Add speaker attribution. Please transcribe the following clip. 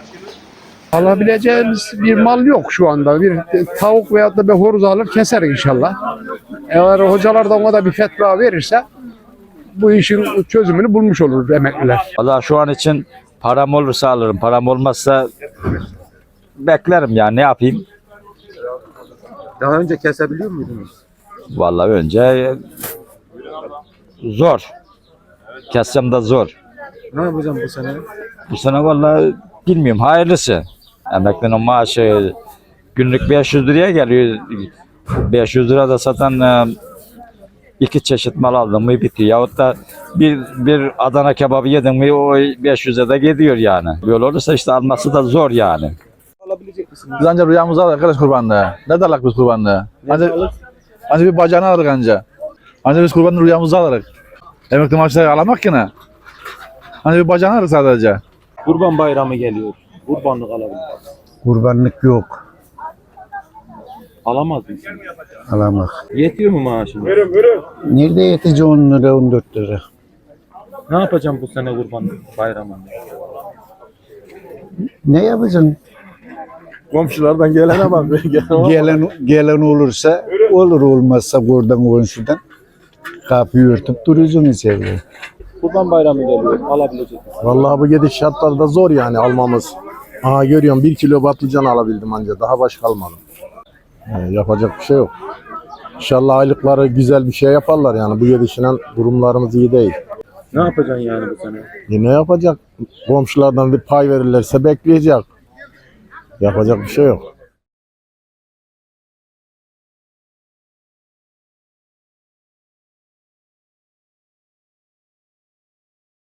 Speaker 1: Alabileceğimiz bir mal yok şu anda. Bir tavuk veyahut da bir horoz alır keser inşallah. Eğer hocalar da ona da bir fetva verirse bu işin çözümünü bulmuş olur emekliler.
Speaker 2: Valla şu an için param olursa alırım. Param olmazsa beklerim ya, ne yapayım?
Speaker 3: Daha önce kesebiliyor muydunuz?
Speaker 2: Vallahi önce zor. Kessem de zor.
Speaker 3: Ne yapacağım bu sene?
Speaker 2: Bu sene vallahi bilmiyorum, hayırlısı. Emeklinin maaşı günlük 500 liraya geliyor. 500 lira da satan iki çeşit mal aldım mı bitiyor. Yahut da bir Adana kebabı yedim mi o 500'e de gidiyor yani. Böyle olursa işte alması da zor yani.
Speaker 3: Alabilecek misiniz?
Speaker 4: Biz anca rüyamızı alırız arkadaş kurbanda. Ne darlak biz kurbanda? Anca bir bacağını alırız anca. Anca biz kurbanın rüyamızı alırız. Emekli maaşları alamak ki ne? Anca bir bacağını alırız sadece.
Speaker 3: Kurban bayramı geliyor. Kurbanlık alabilir.
Speaker 5: Kurbanlık yok.
Speaker 3: Alamaz mısın?
Speaker 5: Alamak.
Speaker 3: Yetiyor mu maaşın?
Speaker 5: Nerede yetici 10 lira 14 lira.
Speaker 3: Ne yapacağım bu sene kurban bayramında?
Speaker 5: Ne yapacaksın?
Speaker 3: Komşulardan gelene bak.
Speaker 5: Gelen olursa olur, olmazsa oradan komşudan kapıyı örtüp duruyorsun içeride.
Speaker 3: Kurban bayramı geliyor. Alabilecek misin?
Speaker 6: Vallahi bu gidiş şartlarda zor yani almamız. Aha görüyorum 1 kilo patlıcan alabildim anca, daha başka almadım. Yapacak bir şey yok. İnşallah aylıkları güzel bir şey yaparlar yani, bu gidişle durumlarımız iyi değil.
Speaker 3: Ne yapacaksın yani bu sene?
Speaker 6: Ne yapacak? Komşulardan bir pay verirlerse bekleyecek. Yapacak bir şey yok.